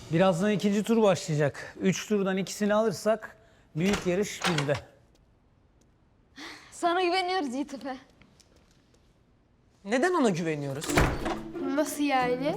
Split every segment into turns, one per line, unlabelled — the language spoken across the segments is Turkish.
Birazdan ikinci tur başlayacak. 3 turdan ikisini alırsak büyük yarış bizde.
Sana güveniyoruz Yiğitepe.
Neden ona güveniyoruz?
Nasıl yani?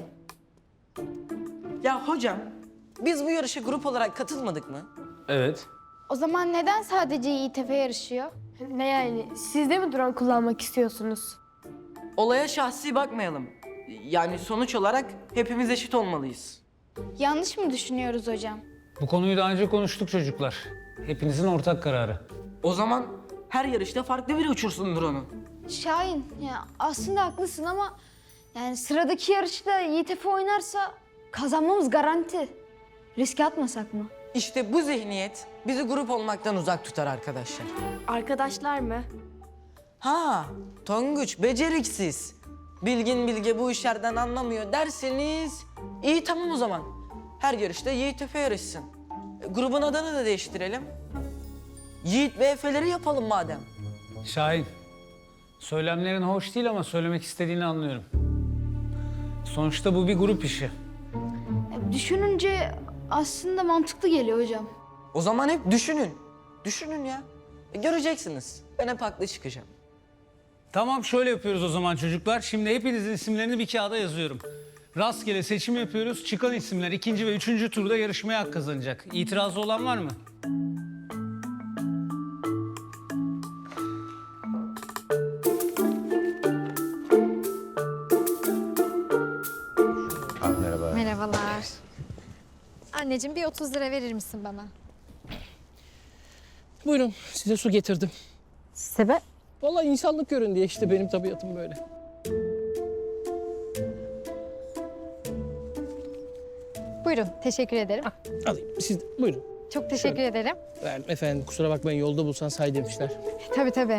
Ya hocam, biz bu yarışa grup olarak katılmadık mı?
Evet.
O zaman neden sadece YTF yarışıyor? Ne yani? Siz de mi drone kullanmak istiyorsunuz?
Olaya şahsi bakmayalım. Yani sonuç olarak hepimiz eşit olmalıyız.
Yanlış mı düşünüyoruz hocam?
Bu konuyu daha önce konuştuk çocuklar. Hepinizin ortak kararı.
O zaman her yarışta farklı biri uçursun drone'u.
Şahin, ya aslında haklısın ama yani sıradaki yarışta Yiğitepe oynarsa kazanmamız garanti. Riske atmasak mı?
İşte bu zihniyet bizi grup olmaktan uzak tutar arkadaşlar.
Arkadaşlar mı?
Ha, Tonguç beceriksiz. Bilgin Bilge bu işlerden anlamıyor derseniz... iyi tamam o zaman. Her yarışta Yiğit Efe yarışsın. Grubun adını da değiştirelim. Yiğit ve Efe'leri yapalım madem.
Şahin, söylemlerin hoş değil ama söylemek istediğini anlıyorum. Sonuçta bu bir grup işi.
Düşününce aslında mantıklı geliyor hocam.
O zaman hep düşünün. Düşünün ya. Göreceksiniz. Ben hep haklı çıkacağım.
Tamam, şöyle yapıyoruz o zaman çocuklar. Şimdi hepinizin isimlerini bir kağıda yazıyorum. Rastgele seçim yapıyoruz. Çıkan isimler ikinci ve üçüncü turda yarışmaya hak kazanacak. İtirazı olan var mı?
Merhaba.
Merhabalar. Anneciğim bir 30 lira verir misin bana?
Buyurun, size su getirdim.
Sebep?
Vallahi insanlık görün diye işte benim tabiatım böyle.
Buyurun, teşekkür ederim.
Alayım, siz de, buyurun.
Çok teşekkür ederim.
Verdim efendim, kusura bakmayın yolda bulsan say demişler.
Tabii tabii.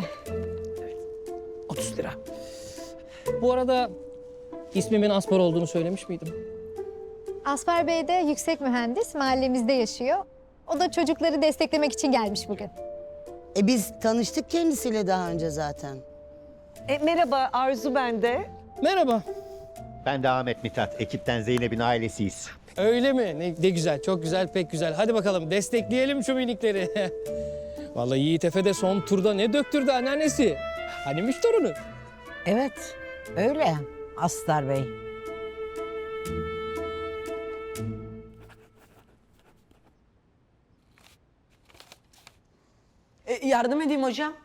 30 lira. Bu arada ismimin Aspar olduğunu söylemiş miydim?
Asfer Bey de yüksek mühendis, mahallemizde yaşıyor. O da çocukları desteklemek için gelmiş bugün.
Biz tanıştık kendisiyle daha önce zaten.
Merhaba, Arzu ben de.
Merhaba.
Ben de Ahmet Mithat. Ekipten Zeynep'in ailesiyiz.
Öyle mi? Ne güzel, çok güzel, pek güzel. Hadi bakalım destekleyelim şu minikleri. Vallahi Yiğit Efe de son turda ne döktürdü anneannesi. Hanimiş torunu.
Evet, öyle Astar Bey.
Yardım edeyim hocam.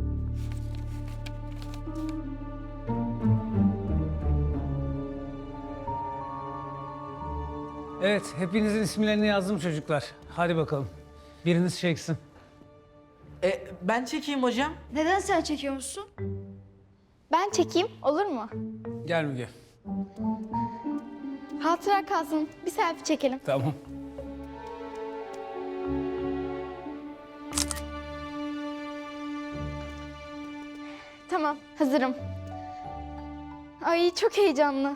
Evet, hepinizin isimlerini yazdım çocuklar. Hadi bakalım. Biriniz çeksin.
Ben çekeyim hocam.
Neden sen çekiyormuşsun? Ben çekeyim, olur mu?
Gel Müge.
Hatıra kalsın, bir selfie çekelim.
Tamam.
Tamam, hazırım. Ay çok heyecanlı.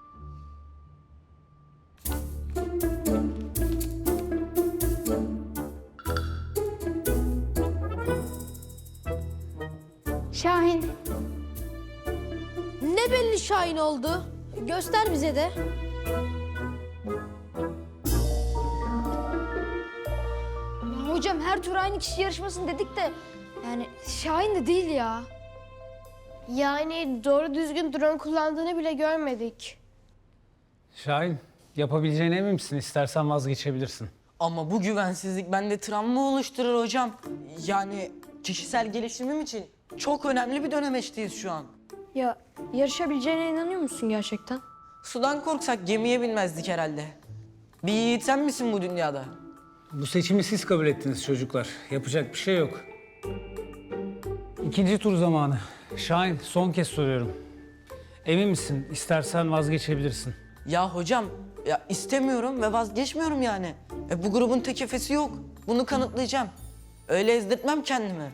Şahin.
Ne belli Şahin oldu? Göster bize de.
Ya hocam her tur aynı kişi yarışmasın dedik de yani Şahin de değil ya.
Yani doğru düzgün drone kullandığını bile görmedik.
Şahin, yapabileceğine emin misin? İstersen vazgeçebilirsin.
Ama bu güvensizlik bende travma oluşturur hocam. Yani kişisel gelişimim için çok önemli bir dönemeçteyiz şu an.
Ya yarışabileceğine inanıyor musun gerçekten?
Sudan korksak gemiye binmezdik herhalde. Bir yiğit sen misin bu dünyada?
Bu seçimi siz kabul ettiniz çocuklar. Yapacak bir şey yok. İkinci tur zamanı. Şahin, son kez soruyorum. Emin misin? İstersen vazgeçebilirsin.
Ya hocam, ya istemiyorum ve vazgeçmiyorum yani. Bu grubun tek efesi yok. Bunu kanıtlayacağım. Öyle ezdirtmem kendimi.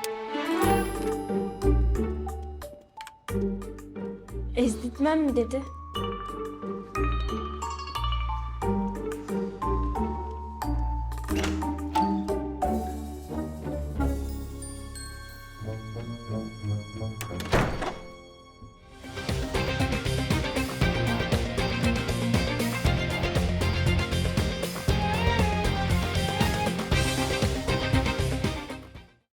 Ezdirtmem mi dedi?